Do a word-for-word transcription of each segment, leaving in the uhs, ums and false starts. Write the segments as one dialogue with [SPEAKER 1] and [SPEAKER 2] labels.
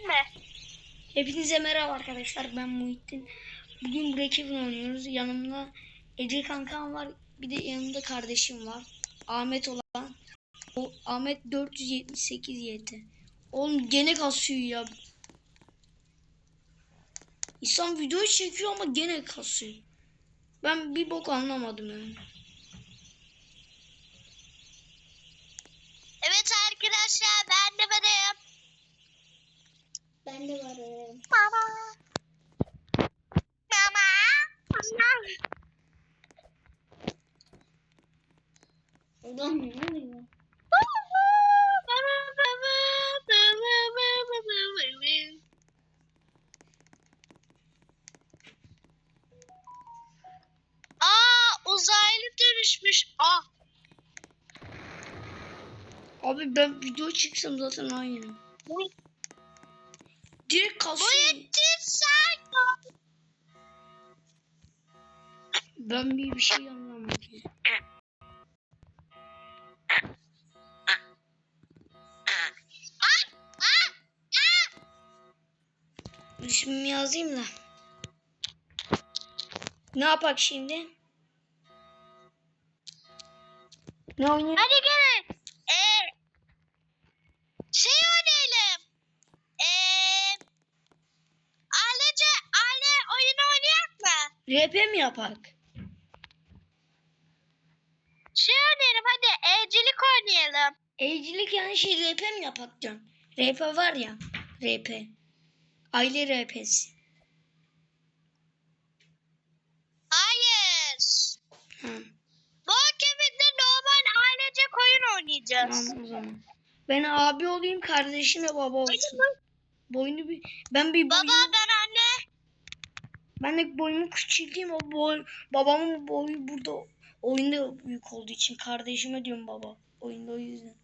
[SPEAKER 1] mi?
[SPEAKER 2] Hepinize merhaba arkadaşlar, ben Muhittin. Bugün Breakeven oynuyoruz. Yanımda Ece kankam var, bir de yanımda kardeşim var, Ahmet olan. O Ahmet dört yüz yetmiş sekiz Y T. Oğlum gene kasıyor ya. İnsan video çekiyor ama gene kasıyor. Ben bir bok anlamadım yani.
[SPEAKER 1] Evet arkadaşlar, ben de varım.
[SPEAKER 2] Ben de varım.
[SPEAKER 1] Mama. Mama. Mama.
[SPEAKER 2] Ulan ne oluyor?
[SPEAKER 1] Aa, uzaylı dönüşmüş. Ah.
[SPEAKER 2] Abi ben video çeksem zaten aynı. Direkt kasıyor.
[SPEAKER 1] Muhittin sen.
[SPEAKER 2] Ben bir bir şey anlamadım. İsmimi yazayım da. Ne yapak şimdi? Ne oynayalım?
[SPEAKER 1] Hadi gelin. Ee, şey oynayalım. Ee, ailece aile oyunu oynayak mı?
[SPEAKER 2] R P mi yapak?
[SPEAKER 1] Şey oynayalım hadi. Evcilik oynayalım.
[SPEAKER 2] Evcilik yani şey R P mi yapak diyorum. R P var ya. R P. Aile R P'si.
[SPEAKER 1] Hayır.
[SPEAKER 2] Ha,
[SPEAKER 1] Bu akabinde normal ailecek oyun oynayacağız.
[SPEAKER 2] tamam o zaman. Ben abi olayım, kardeşim de baba olsun. Boynu bir ben bir
[SPEAKER 1] Baba
[SPEAKER 2] boyunu,
[SPEAKER 1] ben anne.
[SPEAKER 2] ben de boyumu küçülteyim, o boy babamın boyu burada oyunda büyük olduğu için kardeşime diyorum baba. Oyunda o yüzden.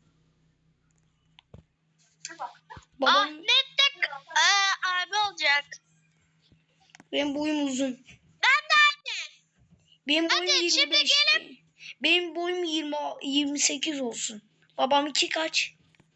[SPEAKER 2] Babam
[SPEAKER 1] Ahmet de aa, abi olacak.
[SPEAKER 2] benim boyum uzun.
[SPEAKER 1] Ben de anne.
[SPEAKER 2] Benim
[SPEAKER 1] Hadi
[SPEAKER 2] boyum yirmi
[SPEAKER 1] şimdi
[SPEAKER 2] beş.
[SPEAKER 1] gelin.
[SPEAKER 2] Benim boyum yirmi yirmi sekiz olsun. Babam iki kaç?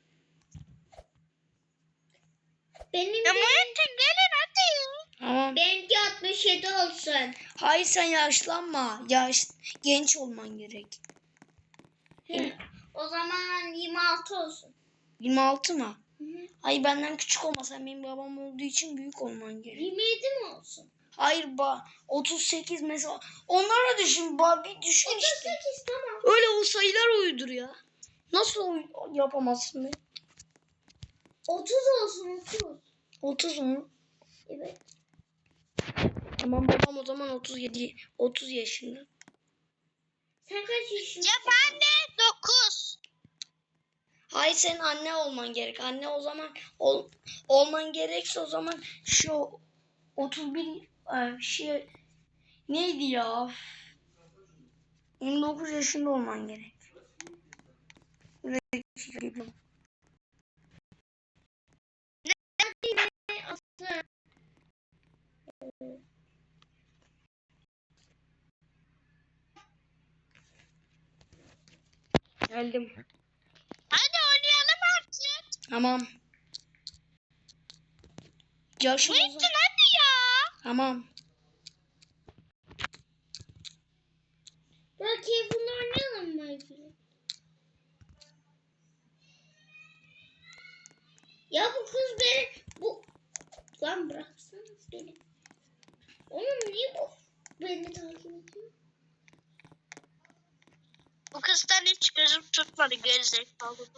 [SPEAKER 3] Benim
[SPEAKER 1] Ya Muhittin gelin hadi.
[SPEAKER 2] Tamam.
[SPEAKER 3] benimki altmış yedi olsun.
[SPEAKER 2] Hayır, sen yaşlanma. Yaş genç olman gerek.
[SPEAKER 3] Hı. O zaman yirmi altı olsun.
[SPEAKER 2] yirmi altı mı?
[SPEAKER 3] Hı hı.
[SPEAKER 2] Hayır, benden küçük olma. Sen benim babam olduğu için büyük olman gerek.
[SPEAKER 3] yirmi yedi mi olsun?
[SPEAKER 2] Hayır ba otuz sekiz mesela. Onlara düşün. Ba bir düşün işte.
[SPEAKER 3] otuz sekiz tamam.
[SPEAKER 2] Öyle o sayılar uydur ya. Nasıl uy- yapamazsın be?
[SPEAKER 3] otuz olsun otuz.
[SPEAKER 2] otuz mu?
[SPEAKER 3] Evet.
[SPEAKER 2] Tamam, babam o zaman otuz yedi otuz yaşında.
[SPEAKER 3] Sen kaç yaşındasın?
[SPEAKER 1] Ya ben de dokuz.
[SPEAKER 2] Hayır, senin anne olman gerek. Anne o zaman ol, olman gerekse o zaman şu otuz bir e, şey neydi ya? yirmi dokuz yaşında olman gerek. Geldim.
[SPEAKER 1] Hadi oynayalım artık.
[SPEAKER 2] Tamam. Yaşım
[SPEAKER 1] Muhittin
[SPEAKER 2] uzun.
[SPEAKER 1] hadi ya.
[SPEAKER 2] Tamam.
[SPEAKER 3] Bakayım bunu oynayalım mı? Ya bu kız beni bu lan bıraksana beni. Oğlum niye bu beni takip ediyor?
[SPEAKER 1] Bu kızdan hiç gözüm tutmadı gerizekalı bu.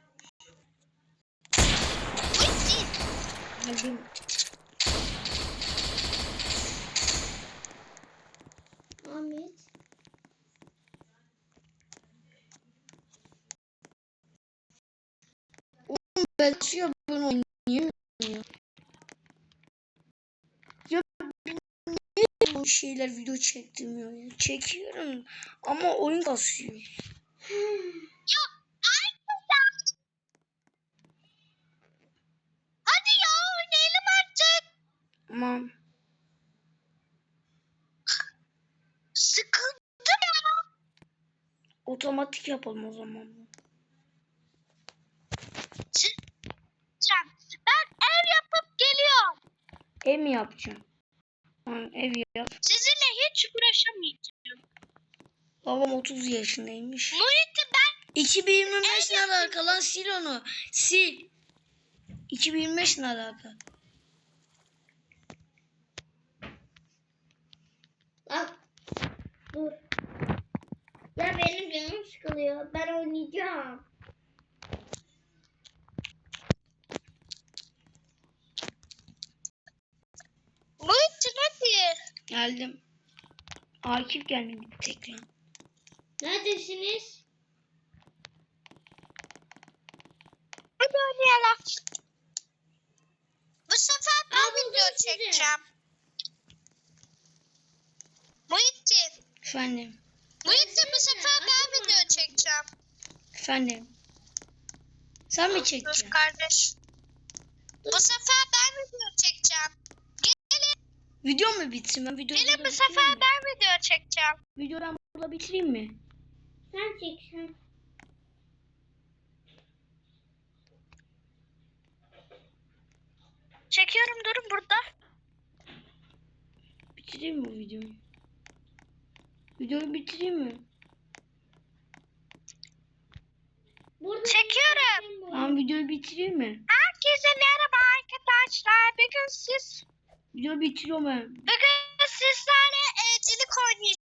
[SPEAKER 1] Muhittin.
[SPEAKER 2] Geldim.
[SPEAKER 3] Ahmet.
[SPEAKER 2] Belçiyor, ben oynayamıyorum ya. Ya niye bu şeyler video çektirmiyor ya? Çekiyorum ama oyun kasıyor.
[SPEAKER 1] Ya aynı ya. Hadi ya oynayalım artık.
[SPEAKER 2] Tamam.
[SPEAKER 1] Sıkıldım ya.
[SPEAKER 2] Otomatik yapalım o zaman.
[SPEAKER 1] Sen- Ben ev yapıp
[SPEAKER 2] Ev mi yapacağım? Tamam, ev yap.
[SPEAKER 1] Sizinle hiç uğraşamayacağım.
[SPEAKER 2] Babam otuz yaşındaymış.
[SPEAKER 1] Muhittin ben
[SPEAKER 2] iki bin yirmi beş ne alaka lan? Sil onu. Sil. iki bin yirmi beş ne alaka?
[SPEAKER 3] Bak. Dur. Ya benim canım sıkılıyor. Ben oynayacağım.
[SPEAKER 1] Muhittin hadi.
[SPEAKER 2] Geldim. Akif gelmedi bir tek lan.
[SPEAKER 3] Neredesiniz?
[SPEAKER 1] Hadi oynayalım. Bu sefer ben
[SPEAKER 3] Aa, buldum
[SPEAKER 1] video
[SPEAKER 3] sizi.
[SPEAKER 1] çekeceğim. Muhittin.
[SPEAKER 2] Efendim.
[SPEAKER 1] Muhittin bu sefer ben video çekeceğim.
[SPEAKER 2] Efendim. Sen mi
[SPEAKER 1] Dur
[SPEAKER 2] çekeceksin?
[SPEAKER 1] kardeş. Bu sefer ben video çekeceğim.
[SPEAKER 2] Video mu bitireyim? Ben videoyu
[SPEAKER 1] Gelin
[SPEAKER 2] burada
[SPEAKER 1] bu sefer
[SPEAKER 2] bitireyim mi?
[SPEAKER 1] ben video çekeceğim.
[SPEAKER 2] Videoyu ben burada bitireyim mi?
[SPEAKER 3] Sen çek sen.
[SPEAKER 1] Çekiyorum durun burada.
[SPEAKER 2] Bitireyim mi videoyu? Videoyu bitireyim mi?
[SPEAKER 3] Burada
[SPEAKER 1] Çekiyorum.
[SPEAKER 2] Tamam, videoyu bitireyim mi?
[SPEAKER 1] Herkese merhaba arkadaşlar. Bugün siz
[SPEAKER 2] Videoyu bitiriyorum ben.